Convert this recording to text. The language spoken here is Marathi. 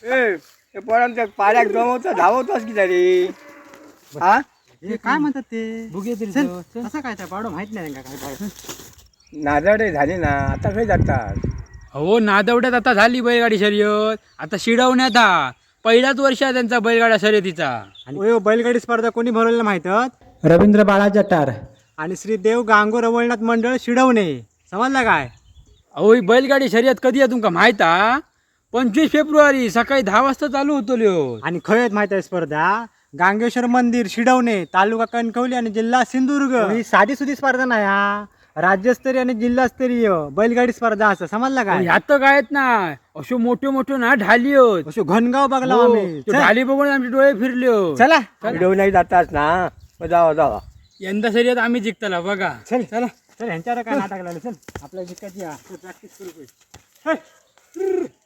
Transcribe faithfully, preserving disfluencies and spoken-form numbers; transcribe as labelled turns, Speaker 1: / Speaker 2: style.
Speaker 1: ए ते पोरांच्या पाड्याक जमवतो धावतोस की तरी हा
Speaker 2: हे काय म्हणतात ते
Speaker 3: बघूया तरी
Speaker 2: चल,
Speaker 3: जाऊ, चल.
Speaker 2: कसं काय त्या पाडो माहित नाही का काय पाडो
Speaker 1: नादडे झाले ना आता खंय जातात
Speaker 3: हो नादवड्यात आता झाली बैलगाडी शर्यत. आता शिडवण्यात हा पहिलाच वर्ष आहे त्यांचा बैलगाडा शर्यतीचा.
Speaker 2: आणि ओ, बैलगाडी स्पर्धा कोणी भरवलेला माहितत
Speaker 4: रवींद्र बाळा जटार
Speaker 2: आणि श्री देव गांगो रवळनाथ मंडळ शिडवणे समजला काय.
Speaker 3: अहो ही बैलगाडी शर्यत कधी आहे तुमका माहित हा? पंचवीस फेब्रुवारी सकाळी दहा वाजता चालू होतो ल्यो.
Speaker 2: आणि खय आहेत माहित आहे स्पर्धा गांगेश्वर मंदिर शिडवणे तालुका कणकवली आणि जिल्हा सिंधुदुर्ग ही साधी सुधी स्पर्धा नाही हा राज्यस्तरीय आणि जिल्हास्तरीय बैलगाडी स्पर्धा असं समजला काय.
Speaker 3: ह्यात तर काय आहेत ना अशो मोठे मोठे ना ढाली होत.
Speaker 2: अशो घनगाव बघला
Speaker 3: हो,
Speaker 2: आम्ही
Speaker 3: तो
Speaker 2: चल,
Speaker 3: ढाली बघून आमचे डोळे फिरले हो.
Speaker 2: चला
Speaker 1: व्हिडिओ नाही जातास ना मग जावा जावा
Speaker 3: यंदा शर्यत आम्ही जिंकताला बघा.
Speaker 2: चल चला चल ह्यांच्यावर काय नाटक लागलं चल आपल्या जिंकायची प्रॅक्टिस करू